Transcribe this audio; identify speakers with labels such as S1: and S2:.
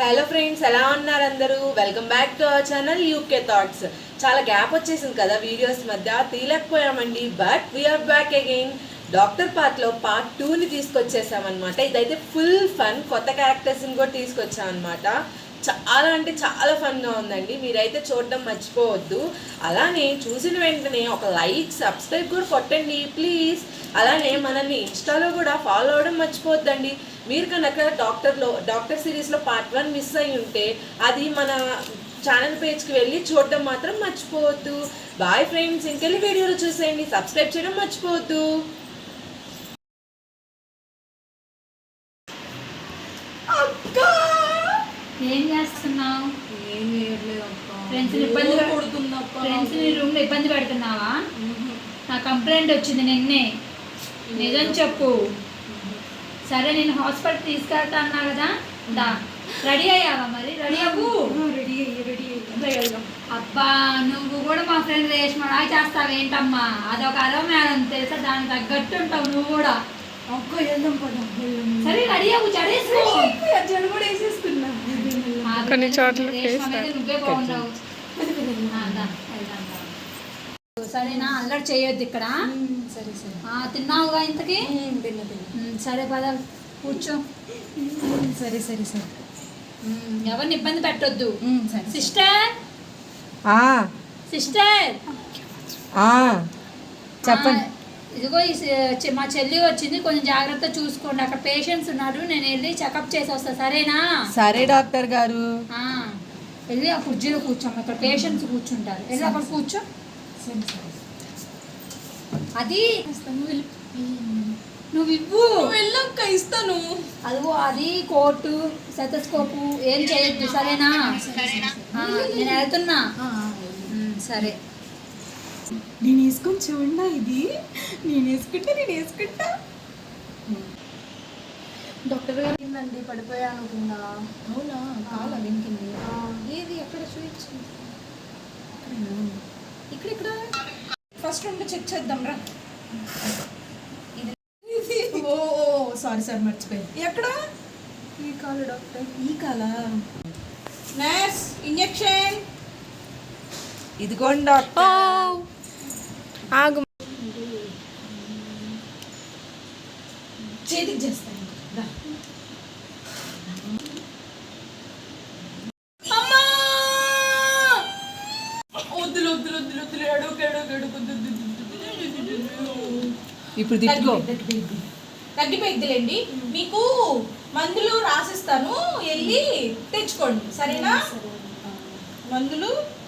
S1: Hello friends, ఎలా ఉన్నారు అందరూ? Welcome back to our channel UK thoughts. చాలా గ్యాప్ వచ్చేసింది కదా వీడియోస్ మధ్య, తీయలేకపోయామండి. But we are back again. Doctor పార్ట్లో పార్ట్ 2ని తీసుకొచ్చేసామన్నమాట. ఇదైతే ఫుల్ ఫన్, కొత్త క్యారెక్టర్స్ని కూడా తీసుకొచ్చామన్నమాట. చాలా అంటే చాలా ఫన్గా ఉందండి. మీరైతే చూడడం మర్చిపోవద్దు. అలానే చూసిన వెంటనే ఒక లైక్, సబ్స్క్రైబ్ కూడా కొట్టండి ప్లీజ్. అలానే మనల్ని ఇన్స్టాలో కూడా ఫాలో అవ్వడం మర్చిపోవద్దండి. మీరు కనుక డాక్టర్ సిరీస్లో పార్ట్ 1 మిస్ అయ్యి ఉంటే అది మన ఛానల్ పేజ్కి వెళ్ళి చూడడం మాత్రం మర్చిపోవద్దు. బాయ్ ఫ్రెండ్స్, ఇంకెళ్ళి వీడియోలు చూసేయండి. సబ్స్క్రైబ్ చేయడం మర్చిపోవద్దు.
S2: ఏం చేస్తున్నావు?
S1: ఏం చేయట్లేదు అక్క.
S2: ఫ్రెండ్స్ రూమ్ లో ఇబ్బంది పెడుతున్నావా? నా కంప్లైంట్ వచ్చింది నిన్నే. నిజం చెప్పు. సరే, నేను హాస్పిటల్ తీసుకెళ్తా అన్నా కదా, దా. రెడీ అయ్యావా? మరి రెడీ అవ్వు. అబ్బా, నువ్వు కూడా మా ఫ్రెండ్ రేష్మ చేస్తావేంటమ్మా? అదొక మేడం తెలుసా, దానికి తగ్గట్టు ఉంటావు నువ్వు కూడా. సరే, రెడీ అవ్వు. జడ కూడా వేసేసుకున్నా.
S3: కొన్ని చోట్ల
S2: నువ్వే బాగున్నావు. సరేనా, అల్లరి చేయొద్దు ఇక్కడ.
S1: సరే సరే.
S2: తిన్నావుగా ఇంతకి? సరే పద, కూర్చో.
S1: సరే సరే సరే.
S2: ఎవరిని ఇబ్బంది పెట్టొద్దు. సిస్టర్ సిస్టర్
S1: చెప్పండి.
S2: ఇదిగో మా చెల్లి వచ్చింది, కొంచెం జాగ్రత్త చూసుకోండి. అక్కడ పేషెంట్స్ ఉన్నారు, నేను వెళ్ళి చెకప్ చేసి వస్తా. సరేనా?
S1: సరే డాక్టర్ గారు.
S2: వెళ్ళి ఆ కుర్చీలో కూర్చోమ్మ. ఇక్కడ పేషెంట్స్ కూర్చుంటారు. వెళ్ళి అక్కడ కూర్చో. అది నువ్వు ఇవ్వు.
S1: వెళ్ళక్క, ఇస్తాను.
S2: అదిగో అది కోటు, సెటస్కోపు ఏం చేయొద్దు. సరేనా? నేను వెళ్తున్నా. సరే.
S1: నేను వేసుకొని చూడండి. ఇది నేను వేసుకుంటా. డాక్టర్ గారు ఏంటండి, పడిపోయాను కింద. అవునా? కాలా వెంకింది. ఏది ఎక్కడ చూపించింది? ఇక్కడ ఫస్ట్ ఉండి చెక్ చేద్దాం రా. ఓ సారీ మర్చిపోయి. ఎక్కడ? ఈ కాలు డాక్టర్. ఈ కాలా? Nurse, injection. ఇదిగోండి డాక్టర్.
S3: ఆగు.
S1: చేతికి చేస్తాను. ఇప్పుడు తగ్గిపోయిద్దిలేండి. మీకు మందులు రాసిస్తాను, వెళ్ళి తెచ్చుకోండి. సరేనా? మందులు